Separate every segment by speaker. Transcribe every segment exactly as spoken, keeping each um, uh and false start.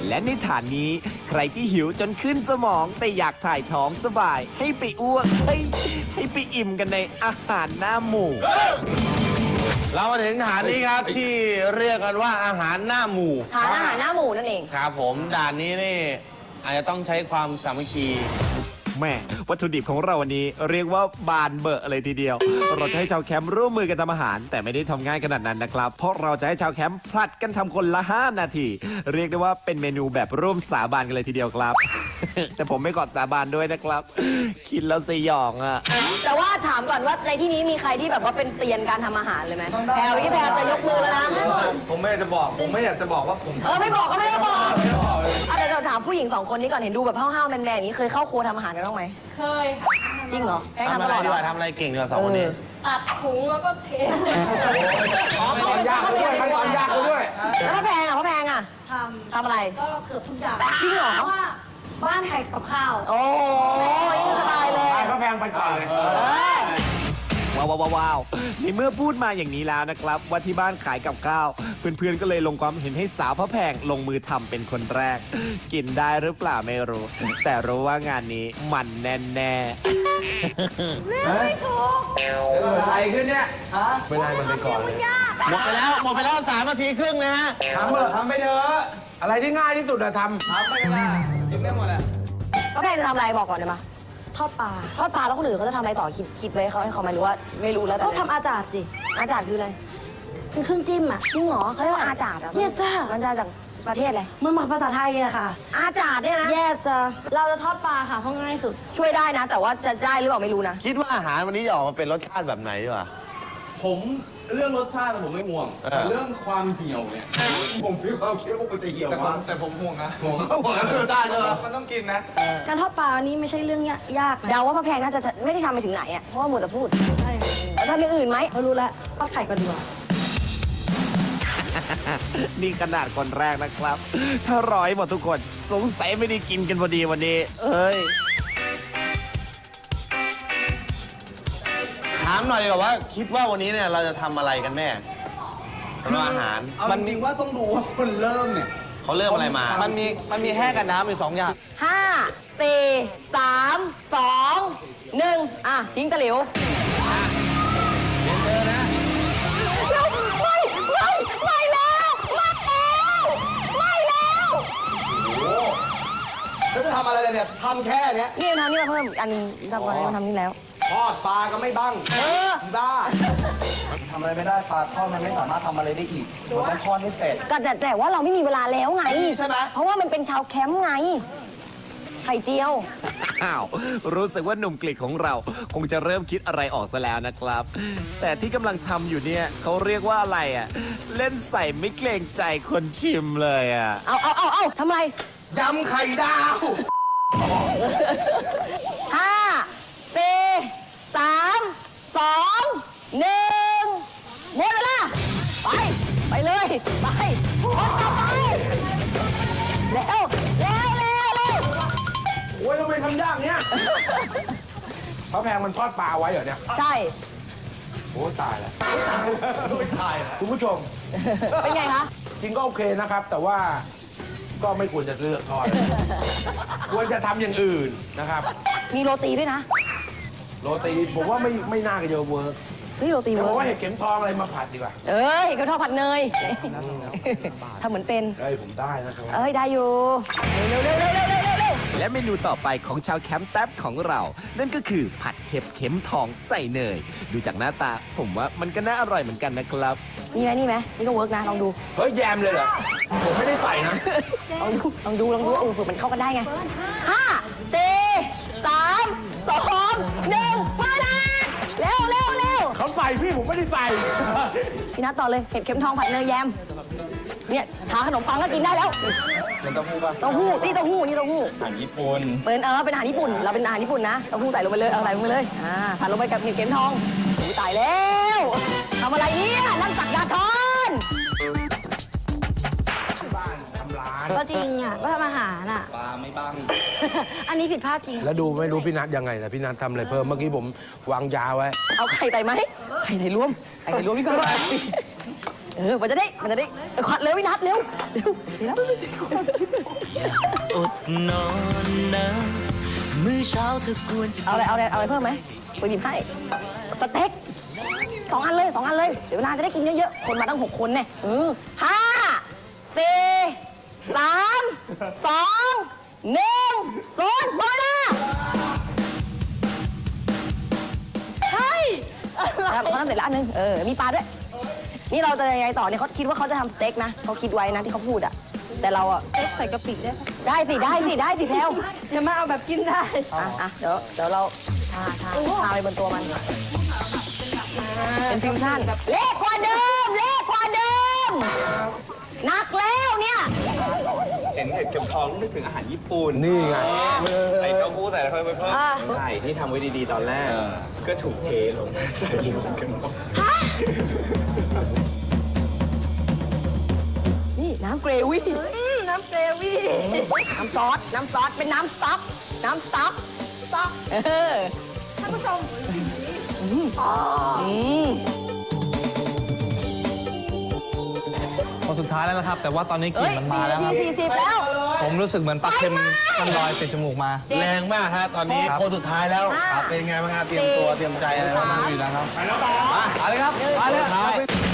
Speaker 1: และในฐานนี้ใครที่หิวจนขึ้นสมองแต่อยากถ่ายท้องสบายให้ไปอ้วกเฮ้ยให้ไปอิ่มกันในอาหารหน้าหมู่
Speaker 2: เรามาถึงฐานนี้ครับที่เรียกกันว่าอาหารหน้าหมู่
Speaker 3: ฐานอาหารหน้าหมู่นั่นเอง
Speaker 2: ครับผมด่านนี้นี่อาจจะต้องใช้ความสามัคคี
Speaker 1: แม่วัตถุดิบของเราวันนี้เรียกว่าบานเบอะเลยทีเดียวเราจะให้ชาวแคมป์ร่วมมือกันทำอาหารแต่ไม่ได้ทำง่ายขนาดนั้นนะครับเพราะเราจะให้ชาวแคมป์ผลัดกันทำคนละห้านาทีเรียกได้ว่าเป็นเมนูแบบร่วมสาบานกันเลยทีเดียวครับ แต่ผมไม่กอดสาบานด้วยนะครับคิดแล้วสยองอ่ะ
Speaker 3: แต่ว่าถามก่อนว่าในที่นี้มีใครที่แบบว่าเป็นเซียนการทำอาหารเลยไหมแพรวพี่แพรวจะยกมือแล้วนะ
Speaker 2: ผมไม่อยากจะบอกผมไม่อยากจะบอกว่าผม
Speaker 3: เออไม่บอกก็ไม่ได้บอกอ่ะเดี๋ยวเราถามผู้หญิงสองคนนี้ก่อนเห็นดูแบบห้าวๆแมนๆอย่างนี้เคยเข้าครัวทำอาหารกันบ้างไหม
Speaker 4: เคย
Speaker 3: จริงเหรอแก
Speaker 2: ทำอะไรดีกว่าทำอะไรเก่งดีกว่าสองคนนี้
Speaker 4: ตัดถุงแล้วก็เท
Speaker 3: ตอนยากด้วยขั้นตอนยากด้วยแล้วพ่อแพงอ่ะพ่อแพงอ่ะ
Speaker 4: ทำ
Speaker 3: ทำอะไร
Speaker 4: ก็เกือบทุกอย่าง
Speaker 3: จริงเหรอ
Speaker 4: เพราะว่าบ้านใครกับข้าว
Speaker 3: โอ้ยสบายเลย
Speaker 2: พ่อแพงไปก่อนเลย
Speaker 1: ว้าวว้าวว้าวในเมื่อพูดมาอย่างนี้แล้วนะครับว่าที่บ้านขายกับข้าวเพื่อนๆก็เลยลงความเห็นให้สาวพระแพงลงมือทำเป็นคนแรกกินได้หรือเปล่าไม่รู้แต่รู้ว่างานนี้มันแน่แน่
Speaker 4: ไม่ถูก
Speaker 2: เกิดอะไรขึ้นเนี่ยไม่ได้มันไปก่อนเลยหมดไปแล้วหมดไปแล้วสามนาทีครึ่งนะฮะทำเถอะทำไปเถอะอะไรที่ง่ายที่สุดอะทำทำไปกันละกินได้หมดอะ
Speaker 3: พ่อแพงจะทำอะไรบอกก่อนได้ไหม
Speaker 4: ทอดปลา
Speaker 3: ทอดปลาแล้วคนอื่นเขาจะทำอะไรต่อคิดคิดไว้เขาให้เขาไหมหรือว่าไม่รู้แล้วแต่
Speaker 4: ก็ทำอาจารย์สิ
Speaker 3: อาจารย์คืออะไร
Speaker 4: คือเครื่องจิ้มอ่ะ
Speaker 3: จริงเหรอเขาเรียกว่าอาจารย์อ่ะ
Speaker 4: yes sir
Speaker 3: มันจะจากประเทศอะไร
Speaker 4: มันมาภาษาไทยอะค่ะ
Speaker 3: อาจารย์เนี่ยนะ
Speaker 4: yes sir เราจะทอดปลาค่ะเพราะง่ายสุด
Speaker 3: ช่วยได้นะแต่ว่าจะได้หรือเปล่าไม่รู้นะ
Speaker 2: คิดว่าอาหารวันนี้จะออกมาเป็นรสชาติแบบไหนดีกว่า
Speaker 5: ผมเรื่องรสชาติผมไม่ห่วงแต่เรื่องความเหี่ยวเนี่ยผมมีความคิดว่ามันจะเหี่ยวมาก
Speaker 2: แต่ผมห่วงนะ
Speaker 5: ห่วงห่วงรสชาติใช่ไหม
Speaker 2: มันต้องกินนะ
Speaker 4: การทอดปลานี้ไม่ใช่เรื่องยาก
Speaker 3: เดาว่าพ่อแพงน่าจะไม่ได้ทำไปถึงไหนอ่ะเพราะว่าหมดแต่พูดใช่แล้วทำอย่างอื่นไหม
Speaker 4: เขารู้แล้วทอดไข่ก่อนดีกว่า
Speaker 1: นี่ขนาดคนแรกนะครับ ถ้าร้อยหมดทุกคนสงสัยไม่ได้กินกันพอดีวันนี้เอ้ย
Speaker 2: ถามหน่อยดีกว่าว่าคิดว่าวันนี้เนี่ยเราจะทำอะไรกันแน่สำหรับอาหาร
Speaker 5: มันจริงว่าต้องดูว่าคนเริ่มเนี่ย
Speaker 2: เขาเริ่มอะไรมามันมีมันมีแห้งกับน้ำอยู่สองอย่าง
Speaker 3: ห้าสี่สามสองหนึ่งอ่ะทิ้งตะหลิว
Speaker 2: เรียนเจอนะ
Speaker 3: ไม่ไม่ไม่แล้วไม่แล้วไม่แล้ว
Speaker 5: แล้วจะทำอะไรเนี่ยทำแค่เนี้ย
Speaker 3: นี่ทำนี่มาเพิ่มอันนึงทำก่อนนี้มาทำนี่แล้ว
Speaker 5: ทอดปลาก็ไม่บ้าง
Speaker 3: เออ
Speaker 5: บ้าทำอะไรไม่ได้ปลาทอดมันไม่สามารถทำอะไรได้อีกมันต้องทอดให้เสร็จ
Speaker 3: ก็แต่แต่ว่าเราไม่มีเวลาแล้วไง
Speaker 5: ใช่ไหม
Speaker 3: เพราะว่ามันเป็นชาวแคมป์ไงไข่เจียว
Speaker 1: อ้าวรู้สึกว่าหนุ่มกฤษของเราคงจะเริ่มคิดอะไรออกซะแล้วนะครับแต่ที่กำลังทำอยู่เนี่ยเขาเรียกว่าอะไรอ่ะเล่นใส่ไม่เกรงใจคนชิมเลยอ่ะ
Speaker 3: เอาเอาเอาเอาทำไร
Speaker 5: ยำไข่ดาว
Speaker 3: ห้าสี่สามสองหนึ่งหมดเวลาไปไปเลยไปคนต่อไปเร็วเร็วเร็วเร็ว
Speaker 2: โอ้ยทำไมทำยากเนี้ยพระแพงมันทอดปลาไว้เหรอเนี่ย
Speaker 3: ใช่
Speaker 2: โอ้ตายแล้ว
Speaker 5: ตายแล้ว
Speaker 2: คุณผู้ชม
Speaker 3: เป็นไงคะ
Speaker 2: จริงก็โอเคนะครับแต่ว่าก็ไม่ควรจะเลือกทอดควรจะทำอย่างอื่นนะครับ
Speaker 3: มีโรตีด้วยนะ
Speaker 2: โรตีผมว่าไม่ไม่น่าจะเวิร์ก
Speaker 3: เฮ้ยโรตีเวิร์ก
Speaker 2: ผมว่าเห็ดเข็มทองอะไรมาผัดดีกว่า
Speaker 3: เอ้ยเห็ดเข็มทองผัดเนยทำเหมือนเป็น
Speaker 2: เอ้ยผมได้นะครับ
Speaker 3: เอ้ยได้อยู่เร็วเร็วเร็วเร็วเร็วเร็ว
Speaker 1: และเมนูต่อไปของชาวแคมป์แท็บของเรานั่นก็คือผัดเห็ดเข็มทองใส่เนยดูจากหน้าตาผมว่ามันก็น่าอร่อยเหมือนกันนะครับ
Speaker 3: นี่ไหมนี่ไหมนี่ก็เวิร์กนะลองดู
Speaker 2: เฮ้ยแยมเลยเหรอผมไม่ได้ใส่นะ
Speaker 3: ลองดูลองดูลองดูเออเผื่อมันเข้ากันได้ไงห้าสี่สามสองหนึ่งมาละเร็วเร็วเร็ว
Speaker 2: เขาใส่พี่ผมไม่ได้ใส่
Speaker 3: พี่นัทต่อเลยเห็ดเข็มทองผัดเนยแยมเนี่ยทาขนมปังก็กินได้แล้ว
Speaker 2: เป็นเต้าหู้ป่ะ
Speaker 3: เต้าหู้นี่เต้าหู้นี่เต้าหู้
Speaker 2: อาหารญี่ปุ่น
Speaker 3: เป็นเออเป็นอาหารญี่ปุ่นเราเป็นอาหารญี่ปุ่นนะเต้าหู้ใส่ลงไปเลยเอาใส่ลงไปเลยอ่าผัดลงไปกับเห็ดเข็มทองตายแล้วทำอะไรเนี่ยนั่งสักดาทอน
Speaker 2: บ้านทำร้าน
Speaker 4: ก็จริงอ่ะก็ทำอาหารอ่ะ
Speaker 5: ปลาไม่บ้าง
Speaker 4: อันนี้ผิดพลาดจริง
Speaker 2: แล้วดูไม่รู้พี่นัทยังไงนะพี่นัททำอะไรเพิ่มเมื่อกี้ผมวางยาไว้
Speaker 3: เอาไข่ไต่ไหมไข่ไต่รวมไข่ไต่รวมพี่ก็เออมันจะได้ มันจะได้เออขวัญเร็ววินัทเร็ว เร็วเร็ว
Speaker 6: อดนอนนะมื้อเช้าเธอควรจะ
Speaker 3: เอาอะไร เอาอะไร เอาอะไรเพิ่มไหมไปหยิบให้ สเต็กสองอันเลยสองอันเลย เดี๋ยวเวลาจะได้กินเยอะๆ คนมาตั้งหกคนเนี่ยเออห้าสี่สามสองหนึ่งศูนย์หมดเวลาใช่เขาทำเสร็จแล้วอันนึง เออ มีปลาด้วย นี่เราจะยังไงต่อเนี่ยเขาคิดว่าเขาจะทำสเต็กนะเขาคิดไว้นะที่เขาพูดอะแต่เราอะ
Speaker 4: เอ๊ะใส่กะปิได้ปะ
Speaker 3: ได้สิ ได้สิ ได้สิแพลว
Speaker 4: เดี๋ยวมาเอาแบบกินได้
Speaker 3: อ่ะอ่ะเดี๋ยวเดี๋ยวเราทาทาทาไปบนตัวมัน เป็นฟิวชั่น เล็กกว่าเดิม เล็กกว่าเดิมหนักแล้วเนี่ย
Speaker 5: เห็นเห็ดเข็มทองนึกถึงอาหารญี่ปุ่น
Speaker 2: นี่ไง
Speaker 5: ใส่เต้าหู้ใส่แล้วค่อยไปเพิ่ม
Speaker 3: อ่า
Speaker 5: ไข่ที่ทำไว้ดีๆตอนแรก ก็ถูกเทลงใส่รวมกันหมด
Speaker 3: นี่น้ำเกรวี่
Speaker 4: อืมน้ำเกรวี่
Speaker 3: น้ำซอส น้ำซอส เป็นน้ำสต๊อก น้ำสต๊อก
Speaker 4: สต๊อก
Speaker 3: เออ
Speaker 4: ท่านผู้ชม
Speaker 3: อืม
Speaker 7: คนสุดท้ายแล้วนะครับ แต่ว่าตอนนี้ก
Speaker 3: เอ้
Speaker 7: ลิ่น
Speaker 3: ย
Speaker 7: มันมาแล้วครับ
Speaker 3: สี่สิบแล้ว
Speaker 7: ผมรู้สึกเหมือนปลาเค็มมันลอยเป็นจมูกมา
Speaker 2: แรงมากฮะตอนนี้
Speaker 7: ครับ
Speaker 2: คนสุดท้ายแล้ว
Speaker 3: ห้า
Speaker 2: ครับเป็นไงบ้างครับเตรียมตัวเตรียมใจอะไรบ้าง
Speaker 3: สาม
Speaker 7: อยู่แล้วครับ
Speaker 2: มาเลยครับมาเลยครับ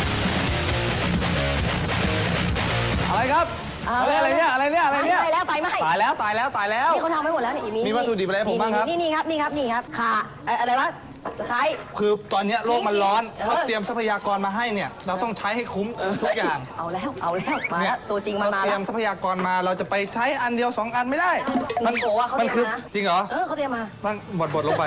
Speaker 7: อะไรครับ
Speaker 3: เอา
Speaker 7: เฮ้ยอะไรเนี่ยอะไรเนี่ยอะไรเนี่ย
Speaker 3: ไฟแล้วไฟไหม้
Speaker 7: ตายแล้วตายแล้วตายแล้ว
Speaker 3: นี่เขาทำไว้หมดแล้วนี่มี
Speaker 7: มีวัตถุดิบอะไรให้ผมบ้างครับ
Speaker 3: นี่นี่ครับนี่ครับนี่ครับค่ะเอ่ออะไรวะตะไคร้
Speaker 7: คือตอนเนี้ยโลกมันร้อน
Speaker 3: เออ
Speaker 7: เขาเตรียมทรัพยากรมาให้เนี่ย เราต้องใช้ให้คุ้มทุกอย่าง
Speaker 3: เอาแล้วเอาแล้วมา
Speaker 7: เนี่
Speaker 3: แล้
Speaker 7: ยว
Speaker 3: ตัวจริงมัน
Speaker 7: เรา
Speaker 3: มา
Speaker 7: เตรี
Speaker 3: แล้
Speaker 7: ยว มทรัพยากรมาเราจะไปใช้อันเดียวสองอันไม่ได้
Speaker 3: มัน โอ้ว่าเขา
Speaker 7: มัน
Speaker 3: เตรี
Speaker 7: คื
Speaker 3: ย
Speaker 7: อ
Speaker 3: มมานะ
Speaker 7: จริงเหรอ
Speaker 3: เออเขาเตรียมมา
Speaker 7: ตั้งบดบดลงไป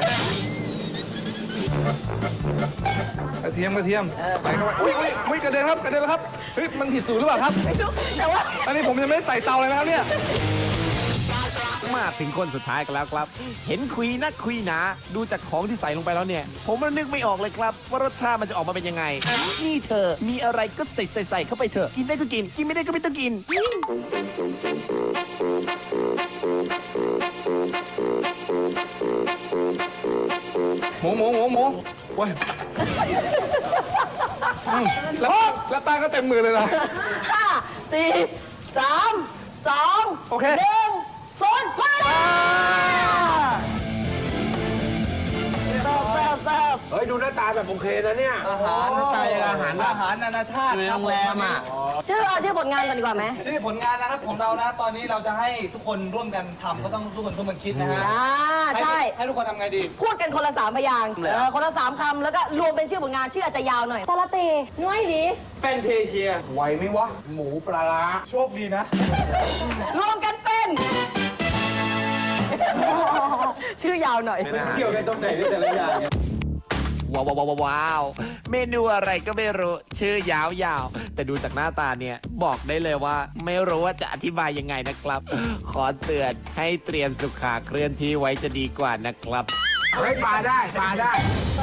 Speaker 7: กระเทียมกระเทียมใส่เข้าไปอุ้ยอุ้ยอุ้ยกระเด็นครับกระเด็นแล้วครับเฮ้ยมันผิดสูตรหรือเปล่าครับ
Speaker 3: แต่ว่า
Speaker 7: อันนี้ผมยังไม่ได้ใส่เตาเลยนะครับเนี่ย
Speaker 1: มาถึงคนสุดท้ายกันแล้วครับ เห็นคุยนักคุยหนา ดูจากของที่ใส่ลงไปแล้วเนี่ย ผมมันนึกไม่ออกเลยครับ ว่ารสชาติมันจะออกมาเป็นยังไง นี่เธอ มีอะไรก็ใส่ใส่ใส่เข้าไปเถอะ กินได้ก็กิน กินไม่ได้ก็ไม่ต้องกิน
Speaker 7: หมูหมูหมูหมูโอ้ยอืมแล้วแล้วแป้งก็เต็มมือเลยนะ
Speaker 3: ห้าสี่สามสอง
Speaker 7: โอเค
Speaker 3: หนึ่งศูนย์ไปเลยเสิร์ฟเสิร์ฟเสิร์ฟ
Speaker 2: เฮ้ย ดูหน้าตาแบบโอเคนะเนี่ย
Speaker 7: อาหารตายอาหารอาหารนานาชาติ
Speaker 2: อยู่ในโรงแรมอ่ะ
Speaker 3: ชื่อเอาชื่อผลงานกันดีกว่าไหม
Speaker 7: ชื่อผลงานนะครับของเรานะตอนนี้เราจะให้ทุกคนร่วมกันทำก็ต้องทุกคนร่วมกันคิดนะฮะ
Speaker 3: อ่าใช่
Speaker 7: ให้ทุกคนทำไงดี
Speaker 3: พูดกันคนละสามพยางค์เออคนละสามคำแล้วก็รวมเป็นชื่อผลงานชื่ออาจจะยาวหน่อยสลัดเตน้อยดี
Speaker 5: แฟนเทเชีย
Speaker 2: ไหวไหมวะ หมูปลาร้า
Speaker 7: โชคดีนะ
Speaker 3: รวมกันเป็น ชื่อยาวหน่อย
Speaker 5: เกี่ยวกันตรงไหนเนี่ยแต่ละอย่าง
Speaker 1: ว้าวว้าวว้าวว้าวเมนูอะไรก็ไม่รู้ ชื่อยาวๆ แต่ดูจากหน้าตาเนี่ย บอกได้เลยว่า ไม่รู้ว่าจะอธิบายยังไงนะครับ ขอเตือนให้เตรียมสุขาเคลื่อนที่ไว้จะดีกว่านะครับ
Speaker 2: เฮ้ยปลาได้ปลาได้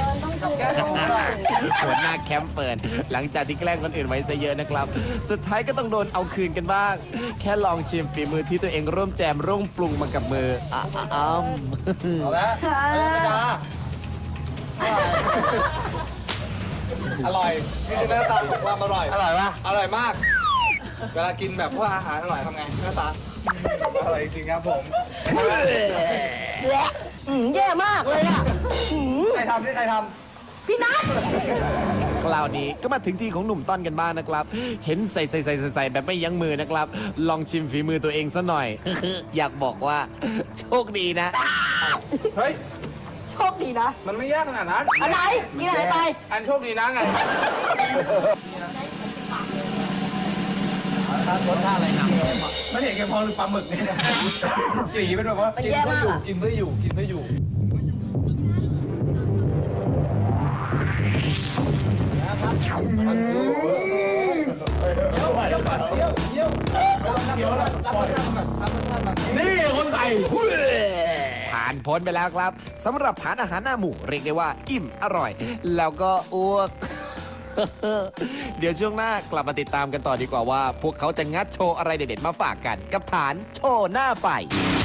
Speaker 1: หัวหน้าแคมป์เฟิร์นหลังจากที่แกล้งคนอื่นไว้ซะเยอะนะครับ สุดท้ายก็ต้องโดนเอาคืนกันบ้าง แค่ลองชิมฝีมือที่ตัวเองร่วมแจมร่วมปรุงมากับมืออ่ะอ่ะอ้ำ
Speaker 7: เอาละอร่อยนี่คือหน้าตาของความอร่อย
Speaker 2: อร่อยปะ
Speaker 7: อร่อยมาก เวลากินแบบพวกอาหารอร่อยทำไงหน้าตาอร่อยจริงครับผม
Speaker 3: และอืมแย่มากเลยอ่ะอืม
Speaker 7: ใครทำนี่ใครท
Speaker 3: พี่นัท
Speaker 1: คราวนี้ก็มาถึงที่ของหนุ่มต้อนกันบ้างนะครับ เห็นใส่ใส่ใส่ใส่ใส่แบบไม่ยั้งมือนะครับ ลองชิมฝีมือตัวเองซะหน่อย อยากบอกว่า โชคดีนะ
Speaker 7: ำเฮ้ย
Speaker 3: โชคดีนะ
Speaker 7: มันไม่ยากขนาดนั้น
Speaker 3: อะไรกินอะไรไป
Speaker 7: อันโชคดีนะไง
Speaker 2: รสชาติอะไรหนัก
Speaker 7: ไม่เห็นแกพอหรือปลาหมึกเนี่ยสีเป็นแบบว่า
Speaker 3: มัน
Speaker 7: กิน
Speaker 3: แย่
Speaker 7: เพื่อ
Speaker 3: มาก
Speaker 7: อยู่
Speaker 3: อะ
Speaker 7: กินเพื่ออยู่กินเพื่ออยู่
Speaker 2: นี่คนใส่
Speaker 1: ผ่านพ้นไปแล้วครับสำหรับทานอาหารหน้าหมูเรียกได้ว่า อิ่มอร่อย แล้วก็อ้วก เดี๋ยวช่วงหน้ากลับมาติดตามกันต่อดีกว่าว่า พวกเขาจะงัดโชว์อะไรเด็ดๆมาฝากกันกับฐานโชว์หน้าไฟ